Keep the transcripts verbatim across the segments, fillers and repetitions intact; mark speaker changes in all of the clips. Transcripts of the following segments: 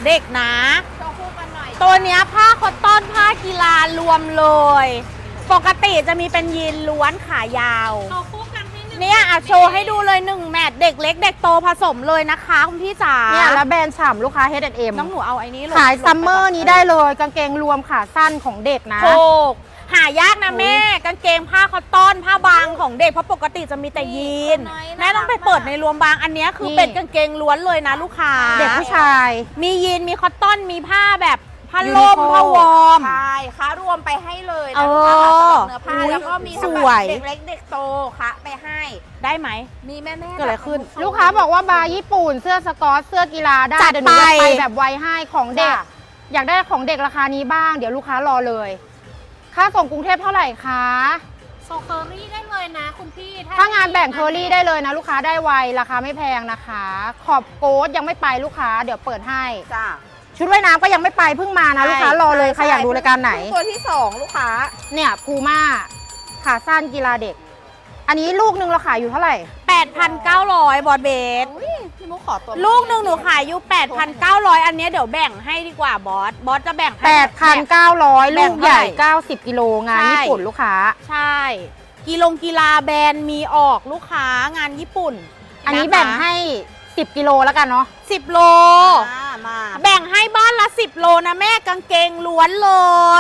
Speaker 1: เด็กนะ
Speaker 2: โชว์คู่กันหน่อย
Speaker 1: ตัวเนี้ยผ้าคอตตอนผ้ากีฬารวมเลย ปกติจะมีเป็นยีนล้วนขายาว
Speaker 2: โชว์คู่กันให้หนึ่ง
Speaker 1: เนี่ยอ่ะโชว์ให้ดูเลยหนึ่งแมทเด็กเล็กเด็กโตผสมเลยนะคะคุณพี่จ๋า
Speaker 3: เนี่ยแล้วแบรนด์ฉ่ำลูกค้า เฮด แอนด์ เอ็ม
Speaker 1: น้องหนูเอาไอ้นี้ลง
Speaker 3: ขายซัมเมอร์นี้ได้เลยกางเกงรวมขาสั้นของเด็กนะ
Speaker 1: โชกหายากนะแม่กางเกงผ้าคอตตอนผ้าบางของเด็กเพราะปกติจะมีแต่ยีนแม่ต้องไปเปิดในรวมบางอันเนี้ยคือเป็นกางเกงล้วนเลยนะลูกค้า
Speaker 3: เด็กผู้ชาย
Speaker 1: มียีนมีคอตตอนมีผ้าแบบผ้าล่มผ้าวอร์ม
Speaker 2: ใช่ค้ารวมไปให้เลย
Speaker 1: เอ
Speaker 2: นะ
Speaker 1: อ
Speaker 2: ลูกค้าสำหรับเนื้อผ้า
Speaker 1: อุ๊ย
Speaker 2: แล้วก็มี
Speaker 1: ส
Speaker 2: ทั้ง
Speaker 1: ว
Speaker 2: แบ
Speaker 1: ย
Speaker 2: บเด็กเล็กเด็กโตคะไปให้
Speaker 1: ได้ไหม
Speaker 2: มีแม่แม่
Speaker 1: เกิดอะไรขึ้น
Speaker 3: ลูกค้าบอกว่าบาร์ญี่ปุ่นเสื้อสกอตเสื้อกีฬาได้
Speaker 1: จัด
Speaker 3: เดี๋ยวหนูจะ
Speaker 1: ไป
Speaker 3: ไปแบบไวให้ของเด็ก
Speaker 2: จ้ะ
Speaker 3: อยากได้ของเด็กราคานี้บ้าง เดี๋ยวลูกค้ารอเลย ค่าส่งกรุงเทพเท่าไหร่คะ
Speaker 2: ส่งเคอรี่ได้เลยนะคุณพี่
Speaker 3: ถ้างานแบ่งเคอรี่ได้เลยนะลูกค้าได้ไวราคาไม่แพงนะคะ ขอบโค้ดยังไม่ไปลูกค้าเดี๋ยวเปิดให้
Speaker 2: จ้า
Speaker 3: ชุดว่ายน้ำก็ยังไม่ไปเพิ่งมานะลูกค้ารอเลยใครอยากดูรายการไหน
Speaker 2: ตัวที่สองลูกค้า
Speaker 3: เนี่ยพูม่าขาสั้นกีฬาเด็ก อันนี้ลูกหนึ่งเราขายอยู่เท่าไหร่
Speaker 1: แปดพันเก้าร้อยบอดเบส
Speaker 2: อุ้ยพี่มุกขอตัว
Speaker 1: ลูกหนึ่งหนูขายอยู่ แปดพันเก้าร้อย อันเนี้ยเดี๋ยวแบ่งให้ดีกว่าบอส บอสจะแบ่งให้
Speaker 3: แปดพันเก้าร้อย
Speaker 1: แบ่
Speaker 3: ลู
Speaker 1: ง
Speaker 3: กใหญ่
Speaker 1: เท่าไหร่
Speaker 3: เก้าสิบกิโลงาน
Speaker 1: ใช่
Speaker 3: ญี่ปุ่นลูกค้า
Speaker 1: ใช่ กีฬงกีฬาแบรนด์มีออกลูกค้างานญี่ปุ่น
Speaker 3: อันนี้
Speaker 1: ะคะ
Speaker 3: แบ่งให้สิบกิโลแล้วกันเนาะ
Speaker 1: สิบโล
Speaker 2: มามา
Speaker 1: แบ่งให้บ้านละสิบโลนะแม่กางเกงล้วนเลย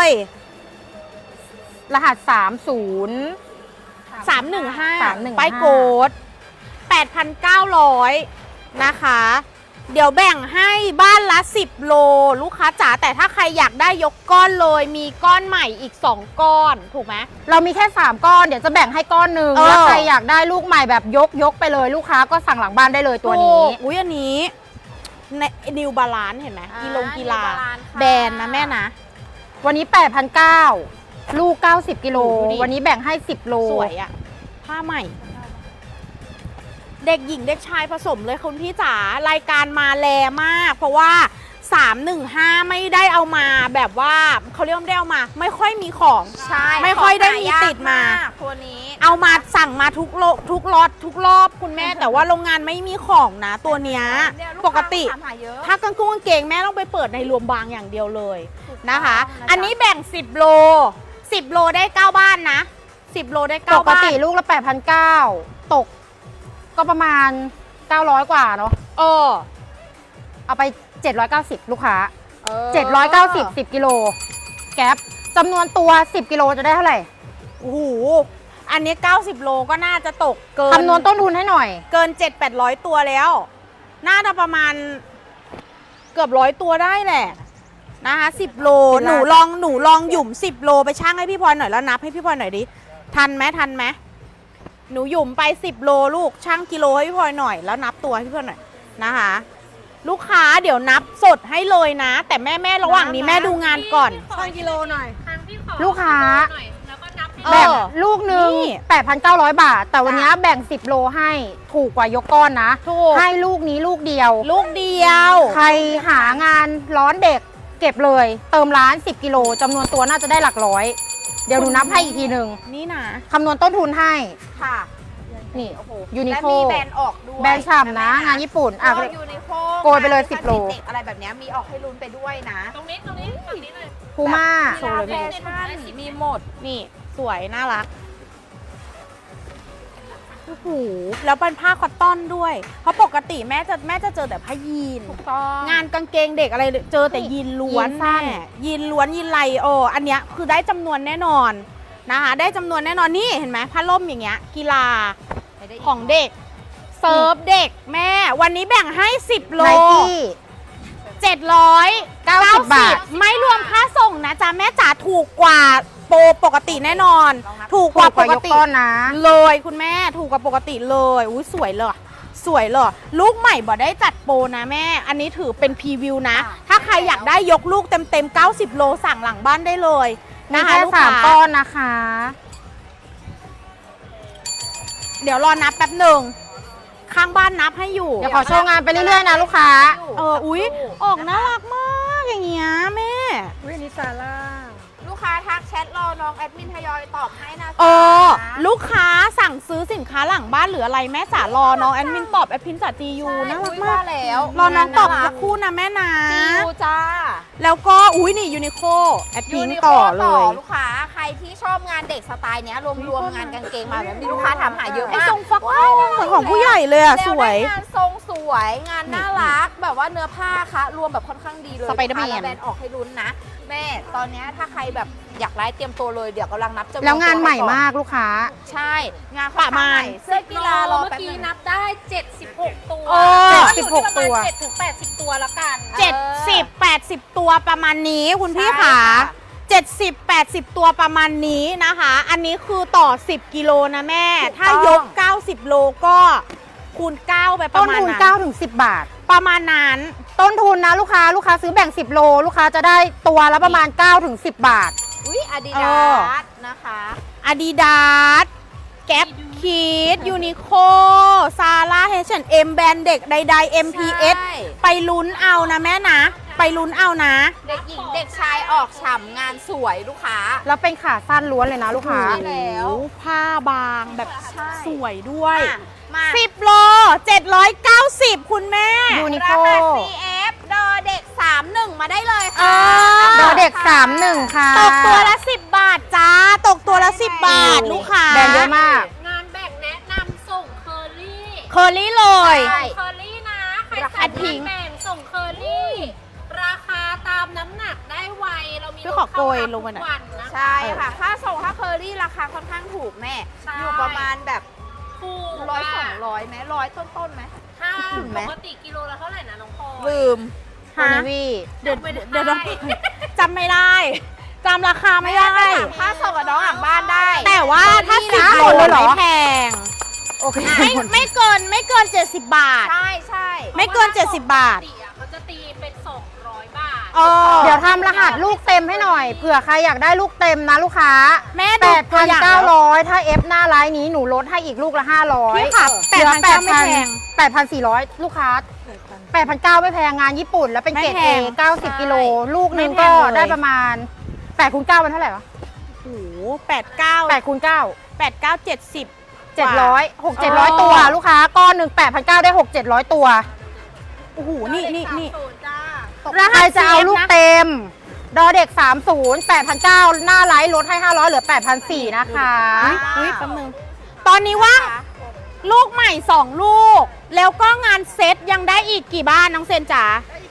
Speaker 3: รหัสสามศูนย์
Speaker 1: สามหนึ่งห้า
Speaker 3: สามหนึ่งห้า
Speaker 1: ป้ายโกดแปดพันเก้าร้อยนะคะ เดี๋ยวแบ่งให้บ้านละสิบโลลูกค้าจ๋าแต่ถ้าใครอยากได้ยกก้อนเลยมีก้อนใหม่อีกสองก้อนถูกไหม
Speaker 3: เรามีแค่สามก้อนเดี๋ยวจะแบ่งให้ก้อนหนึ่ง
Speaker 1: เออ
Speaker 3: แล้วใครอยากได้ลูกใหม่แบบยกยกไปเลยลูกค้าก็สั่งหลังบ้านได้เลยตัวนี้
Speaker 1: ถูกอุ้ยอันนี้ในนิวบาลานเห็นไหมกีฬงกีฬา
Speaker 2: New Balance ค่ะ
Speaker 1: แบรนด์นะแม่นะ
Speaker 3: วันนี้ แปดพันเก้าร้อย ลูก เก้าสิบกิโล
Speaker 1: ดูดิ
Speaker 3: วันนี้แบ่งให้สิบโล
Speaker 1: สวยอะผ้าใหม่ เด็กหญิงเด็กชายผสมเลยคุณพี่จ๋ารายการมาแลมาก เพราะว่าสามหนึ่งห้าไม่ได้เอามาแบบว่าเขาเรียกว่าไม่ได้เอามา ไม่ค่อยมีของ
Speaker 2: ใช่
Speaker 1: ไม่ค่อยได้มีติดมา
Speaker 2: ตัวนี้
Speaker 1: เอามาสั่งมาทุกโลทุกล็อตทุกรอบคุณแม่ แต่ว่าโรงงานไม่มีของนะ ตัวเนี้ย
Speaker 2: เนี่ยลู
Speaker 1: ปกติ
Speaker 2: ค้าถามหาเยอะ
Speaker 1: ถ้ากางกุ้งกางเกงแม่ต้องไปเปิดในรวมบางอย่างเดียวเลยนะคะ
Speaker 2: ถูกต้องนะคะ
Speaker 1: อันนี้แบ่งสิบโลสิบโลได้เก้าบ้านนะสิบโลได้
Speaker 3: ป
Speaker 1: เก้าก บ้าน
Speaker 3: ติลูกละ แปดพันเก้าร้อย ตก ก็ประมาณ เก้าร้อย กว่าเนาะ
Speaker 1: เออ
Speaker 3: เอาไป เจ็ดร้อยเก้าสิบ ลูกค้า
Speaker 1: ออ
Speaker 3: เจ็ดร้อยเก้าสิบ สิบกิโลแก๊ปจำนวนตัว สิบกิโลจะได้เท่าไหร่
Speaker 1: โอ้โหอันนี้เก้าสิบโลก็น่าจะตกเกิน
Speaker 3: คำนวณต้นทุนให้หน่อย
Speaker 1: เกิน เจ็ดแปดร้อย ตัวแล้ว น่าจะประมาณเกือบร้อยตัวได้แหละนะคะสิบโล
Speaker 3: เป็น
Speaker 1: ห
Speaker 3: ล้าน
Speaker 1: นูลองหนูลองหยุ่มสิบโลไปช่างให้พี่พลอยหน่อยแล้วนับให้พี่พลอยหน่อยดิทันไหมทันไหมหนูหยุ่มไปสิบโลลูกช่างกิโลให้พี่พลอยหน่อยแล้วนับตัวให้พี่พลอยหน่อยนะคะ ลูกค้าเดี๋ยวนับสดให้เลยนะ แต่แม่แม่ระหว่างนี้แม่ดูงานก่อน
Speaker 2: ช่างกิโลหน่อย
Speaker 3: ลูกค้า
Speaker 2: แล้วก็นับให้
Speaker 1: เออ
Speaker 3: แบ่งลูกหนึ่ง
Speaker 1: นี่
Speaker 3: แปดพันเก้าร้อย บาท แต่วันนี้แบ่งสิบโลให้ถูกกว่ายกก้อนนะ
Speaker 1: ถูก
Speaker 3: ให้ลูกนี้ลูกเดียว
Speaker 1: ลูกเดียว
Speaker 3: ใครหางานร้อนเด็กเก็บเลย เติมร้าน สิบกิโลจำนวนตัวน่าจะได้หลักร้อย เดี๋ยวหนูนับให้อีกทีหนึ่ง
Speaker 1: นี่นะ
Speaker 3: คำนวณต้นทุนให้
Speaker 2: ค่ะ
Speaker 3: นี่
Speaker 2: โอ้โห
Speaker 3: ยูนิ
Speaker 2: และ
Speaker 3: โค
Speaker 2: มีแบรนด์ออกด้วย
Speaker 3: แบรนด์ฉ่ำนะ งานญี่ปุ่นอ่ะ
Speaker 2: ยูนิโค
Speaker 3: โกยไปเลยสิบโล
Speaker 2: เด็กอะไรแบบเนี้ยมีออกให้ลุ้นไปด้วยนะ
Speaker 4: ตรงนี้ตรงนี้ฝั่งนี้เลย
Speaker 3: พูม่า
Speaker 1: โชว์เลย
Speaker 2: แฟ
Speaker 1: แม่
Speaker 2: ชั่นมีหมด
Speaker 1: นี่สวยน่ารักโอ้โหแล้วเป็นผ้าคอตตอนด้วย เพราะปกติแม่จะแม่จะเจอแต่ผ้ายีน
Speaker 2: ถูกต้อง
Speaker 1: งานกางเกงเด็กอะไรเจอแต่ยีนล้วน
Speaker 3: ยีนสั้น
Speaker 1: แม่ยีนล้วนยีนไหลโออันเนี้ยคือได้จำนวนแน่นอนนะคะได้จำนวนแน่นอนนี่เห็นไหมผ้าล่มอย่างเงี้ยกีฬาของเด็กเซิร์ฟเด็กแม่ วันนี้แบ่งให้สิบโล
Speaker 3: ไนกี้
Speaker 1: เจ็ดร้อย
Speaker 3: เก้าสิบบาท
Speaker 1: ไม่รวมค่าส่งนะจ๊ะแม่จ๋าถูกกว่าโปรปกติแน่นอน ถูกกว่าปกติ
Speaker 3: ถูกว่ายกก้อนนะ
Speaker 1: เลยคุณแม่ถูกกว่าปกติเลยอุ้ยสวยเลยสวยเลยลูกใหม่บ่ได้จัดโปรนะแม่ อันนี้ถือเป็นพรีวิวนะ ถ้าใครอยากได้ยกลูกเต็มเต็มๆเก้าสิบโลสั่งหลังบ้านได้เลย
Speaker 3: มี
Speaker 1: นะคะ
Speaker 3: แค่
Speaker 1: ลูก
Speaker 3: สาม
Speaker 1: ค้า
Speaker 3: ก้อนนะคะ
Speaker 1: เดี๋ยวรอนับแป๊บหนึ่งข้างบ้านนับให้อยู่
Speaker 3: เดี๋ยวขอโชว์งานไปเรื่อยๆนะลูกค้า
Speaker 1: เอออุ้ยออกน่ารักมากอย่างเงี้ยแม่
Speaker 4: วินิซาร่า
Speaker 2: ลูกค้าทักแชทรอน้องแอดมินทยอยตอบให้นะ
Speaker 1: เออ
Speaker 2: จ๊ะ
Speaker 1: ลูกค้าสั่งซื้อสินค้าหลังบ้านหรืออะไรแม่จ๋ารอน้องแอดมินตอบแอดมินจ๋าจียูน่ารักมาก
Speaker 2: ใช่แล้ว
Speaker 1: รอน้องตอบสักครู่นะแม่นะ
Speaker 2: จียูจ้า
Speaker 1: แล้วก็อุ้ยนี่ยูนิโคแอดพิง
Speaker 2: ยูนิโค
Speaker 1: ต่อเล
Speaker 2: ต่อย ลูกค้าใครที่ชอบงานเด็กสไตล์เนี้ยรวมๆงานกางเกงมาแบบนี้ลูกค้าถามหาเยอะ
Speaker 1: ไอ้
Speaker 2: มาก
Speaker 1: ทรงฟักทองเหมือนของผู้ใหญ่เลยอะสวย
Speaker 2: แล้ได้งานทรงสวยงานน่ารักแบบว่าเนื้อผ้าคะรวมแบบค่อนข้างดีเลย
Speaker 1: สไปเดอร์แมน
Speaker 2: ลูกค้าแบรนด์ออกให้ลุ้นนะแม่ตอนเนี้ยถ้าใครแบบอยากไลฟ์เตรียมตัวเลยเดี๋ยวกำลังนับจำนวน
Speaker 3: แล้วงานใหม่
Speaker 2: ตัวก่อ
Speaker 3: มากลูกค้า
Speaker 2: ใช่ งาน
Speaker 1: ประมาณ
Speaker 2: เสื้อกีฬารอ
Speaker 4: เมื่อ
Speaker 2: แป๊บ
Speaker 4: กี้
Speaker 2: นึง
Speaker 4: นับได้เจ็ดสิบหกตัว
Speaker 1: เออ
Speaker 3: เจ็ดสิบหกตัว
Speaker 4: เจ็ดถึงแปดสิบตัวแล้วกัน
Speaker 1: เจ็ดสิบแปดสิบตัวประมาณนี้คุณพี่
Speaker 2: ใช่
Speaker 1: ขา
Speaker 2: ค่ะ
Speaker 1: เจ็ดสิบแปดสิบตัวประมาณนี้นะคะ อันนี้คือต่อสิบกิโลนะแม่ ถ้ายกเก้าสิบโลก็คูณเก้าไปป
Speaker 3: ต้
Speaker 1: ระ
Speaker 3: น
Speaker 1: มาณ
Speaker 3: ทุน
Speaker 1: นั้น
Speaker 3: เก้าถึงสิบบาท
Speaker 1: ประมาณนั้น
Speaker 3: ต้นทุนนะลูกค้าลูกค้าซื้อแบ่งสิบโลลูกค้าจะได้ตัวละประมาณเก้าถึงสิบบาท
Speaker 2: อุ้ยอาดิ
Speaker 1: เอ
Speaker 2: ดา
Speaker 1: อ
Speaker 2: สนะคะ
Speaker 1: อาดิดาสแก๊ปคีดยูนิโคซาร่าเฮชเอ็มแบรนด์เด็กใดๆ เอ็ม พี เอส
Speaker 2: ใช่
Speaker 1: ไปลุ้นเอานะแม่นะ ไปลุ้นเอานะ
Speaker 2: เด็กหญิงเด็กชายออกฉ่ำงานสวยลูกค้า
Speaker 3: แล้วเป็นขาสั้นล้วนเลยนะลูกค้า
Speaker 2: ใช่แล้ว
Speaker 1: โอ้โหผ้าบางแบบ
Speaker 2: ใช่
Speaker 1: สวยด้วย
Speaker 2: มามา
Speaker 1: สิบโลเจ็ดร้อยเก้าสิบคุณแม่
Speaker 3: ยูนิ
Speaker 2: รา
Speaker 3: โค
Speaker 2: คา ซี เอฟ ดอเด็กสามสิบเอ็ดมาได้เลย
Speaker 1: เอ
Speaker 2: ค่ะ
Speaker 1: อ
Speaker 3: ดอเด็กสามหนึ่งค่ะ
Speaker 1: ตกตัวละสิบบาทจ้า ตกตัวละสิบบาทลูกค้า
Speaker 3: แบรนด์เยอะมาก
Speaker 4: งานแบ่งแนะนำส่งเคอรี่
Speaker 1: เคอรี่เลย
Speaker 2: ใช่
Speaker 4: เคอรี่นะ ใคร
Speaker 1: ราคา
Speaker 4: สั่ง
Speaker 1: ทิ้ง
Speaker 4: งานแบ่งส่งเคอรี่ ราคาตามน้ำหนักได้ไว เรามี
Speaker 1: ช่วยขอโกยลงมาหน่อย
Speaker 4: ทุกวันนะ
Speaker 2: ใช่ค่ะ ค่าส่งค่าเคอรี่ราคาค่อนข้างถูกแม่
Speaker 4: ใช่
Speaker 2: อยู่ประมาณแบบ
Speaker 4: ถูก
Speaker 2: ร้อยส
Speaker 4: อะ
Speaker 2: องร้อยไหมร้อยต้นๆไหม
Speaker 4: ถ้า
Speaker 2: ถึงไหม
Speaker 4: ปกติกิโลละเท่าไหร่นะน้องพลอย
Speaker 2: ลืม
Speaker 3: โคเนวี
Speaker 1: เดี๋ยว
Speaker 4: จำไม่ได้
Speaker 1: เดี๋ยวต้องจำไม่ได้จำราคาไม่ได้
Speaker 2: แม่ไปถามค่าส่งกับน้องหลังบ้านได้
Speaker 1: แต่ว่าถ้าสิบ
Speaker 3: นะ
Speaker 1: โล
Speaker 3: เลยเหรอ
Speaker 1: ไม่แพง
Speaker 3: โอเค
Speaker 1: ไม่ไม่เกินไม่เกินเจ็ดสิบบาท
Speaker 2: ใช่ใช่
Speaker 1: ไม่เกินเจ็ดสิบบาท
Speaker 4: ปกติอะเขาจะตีเป็นสองร้อยบาท
Speaker 1: เออ
Speaker 3: เดี๋ยวทำรหัสลูกเต็มให้หน่อย เผื่อใครอยากได้ลูกเต็มนะลูกค้า
Speaker 1: แม่ดูตัวอย่างแล้ว
Speaker 3: แปดพันเก้าร้อยถ้าเอฟหน้าไลน์นี้หนูลดให้อีกลูกละห้าร้อย
Speaker 1: พี่ค่ะ
Speaker 3: เหลือ
Speaker 1: แปดพันเก้าไม่แพง
Speaker 3: แปดพันสี่ร้อยลูกค้าแปดพันเก้าไม่แพงงานญี่ปุ่น แล้วเป็นเกรด
Speaker 1: ไม่
Speaker 3: เอ
Speaker 1: แพง
Speaker 3: เก้าสิบกิโลลูกหนึง
Speaker 1: ไม่แพ
Speaker 3: ก็
Speaker 1: งเลย
Speaker 3: ได้ประมาณแปดคูณเก้าเป็นเท่าไหร่วะ
Speaker 1: โอ้โหแปดเก้า
Speaker 3: แปดคูณเก้า
Speaker 1: แปดเก้าเจ็ดสิบ
Speaker 3: เจ็ดร้อยหกเจ็ดร้อย
Speaker 1: เออ
Speaker 3: ตัวลูกค้าก้อนหนึ่งแปดพันเก้าได้หกเจ็ดร้อยตัว
Speaker 1: โอ้โหนี่นี่นี่
Speaker 4: ศูนย์จ้า
Speaker 3: ใครจะเอาลูกเต็ม ดอเด็ก สามสิบ แปดพันเก้า หน้าไลฟ์ลดให้ ห้าร้อยเหลือ แปดพันสี่ร้อย นะคะ
Speaker 1: อุ้ยอุ้ยแป๊บนึงตอนนี้ว่างลูกใหม่สองลูก แล้วก็งานเซ็ตยังได้อีกกี่บ้านน้องเซนจ๋าง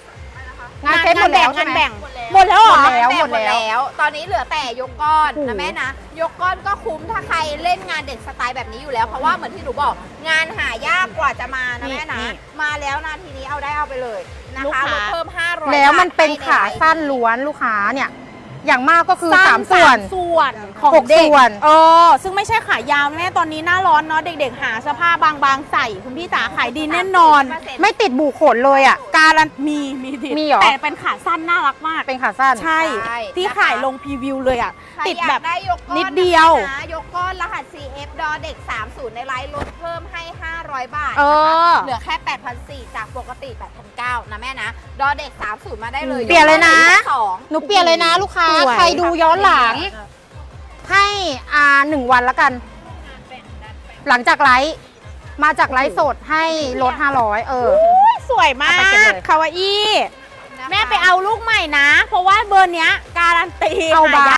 Speaker 3: านเซ็ตหมดแล้วใช่
Speaker 1: งาน
Speaker 3: ไหม
Speaker 1: แบ่งหมดแล้วเหรอ
Speaker 3: หมดแล้ว
Speaker 2: แบ่ง
Speaker 3: หมดแล้ว
Speaker 2: ตอนนี้เหลือแต่ยกก้อน
Speaker 3: โอ้โห
Speaker 2: นะแม่นะ ยกก้อนก็คุ้มถ้าใครเล่นงานเด็กสไตล์แบบนี้อยู่แล้ว เพราะว่าเหมือนที่หนูบอก งานหายากกว่าจะมานะ
Speaker 1: นี่
Speaker 2: แม่นะ
Speaker 1: นี่
Speaker 2: มาแล้วนาทีนี้เอาได้เอาไปเลยนะ
Speaker 1: ลูก
Speaker 2: คะ
Speaker 1: ค้า
Speaker 2: ลดเพิ่มห้าร้อย
Speaker 3: แล้วมันเป็น
Speaker 2: บทให้
Speaker 3: ขา
Speaker 2: ใไลฟ์
Speaker 3: สั้นล้วนลูกค้าเนี่ย อย่างมากก็คือ
Speaker 1: สั้น
Speaker 3: สามส่วน
Speaker 1: ส่วนของ
Speaker 3: หก
Speaker 1: เด็ก
Speaker 3: ส่วน
Speaker 1: เออซึ่งไม่ใช่ขายาวแม่ตอนนี้หน้าร้อนเนาะเด็กๆ หาเสื้อผ้าบางๆใส่คุณพี่จ๋าขายดีแน่นอน
Speaker 3: ไม่ติดบูขนเลยอ่ะ
Speaker 1: การันมีมีติด
Speaker 3: มีเหรอ
Speaker 1: แต่เป็นขาสั้นน่ารักมาก
Speaker 3: เป็นขาสั้น
Speaker 1: ใช่
Speaker 2: ใช่
Speaker 1: ที่
Speaker 2: นะคะ
Speaker 1: ขายลงพรีวิวเลยอ่ะ
Speaker 2: ใคร
Speaker 1: ติด
Speaker 2: อยาก
Speaker 1: แบบ
Speaker 2: ได้ยกก้อน
Speaker 1: นิดเดียว
Speaker 2: นะยกก้อนรหัส ซี เอฟ ดอเด็ก สามสิบ ในไลฟ์ลดเพิ่มให้ ห้าร้อย บาท
Speaker 1: เออ
Speaker 2: เหลือแค่ แปดพันสี่ร้อย จากปกติ แปดพันเก้าร้อย นะแม่นะ ดอเด็ก สามสิบ มาได้เลย
Speaker 3: เปลี่ยนเลยนะ
Speaker 2: สอง
Speaker 3: หนูเปลี่ยนเลยนะลูกค้า
Speaker 1: สวย
Speaker 3: ใครดูย้อนหลัง ให้อ่าหนึ่งวันแล้วกัน หลังจากไลฟ์มาจากไลฟ์สดให้ลดห้าร้อยเออ
Speaker 1: อุ๊ยสวยมา
Speaker 3: เอาไปเก็บ
Speaker 1: ก
Speaker 3: เลย
Speaker 1: คาวาอี้
Speaker 2: นะคะ
Speaker 1: แม่ไปเอาลูกใหม่นะ เพราะว่าเบอร์เนี้ยการันตี
Speaker 3: เอาบา
Speaker 1: หยก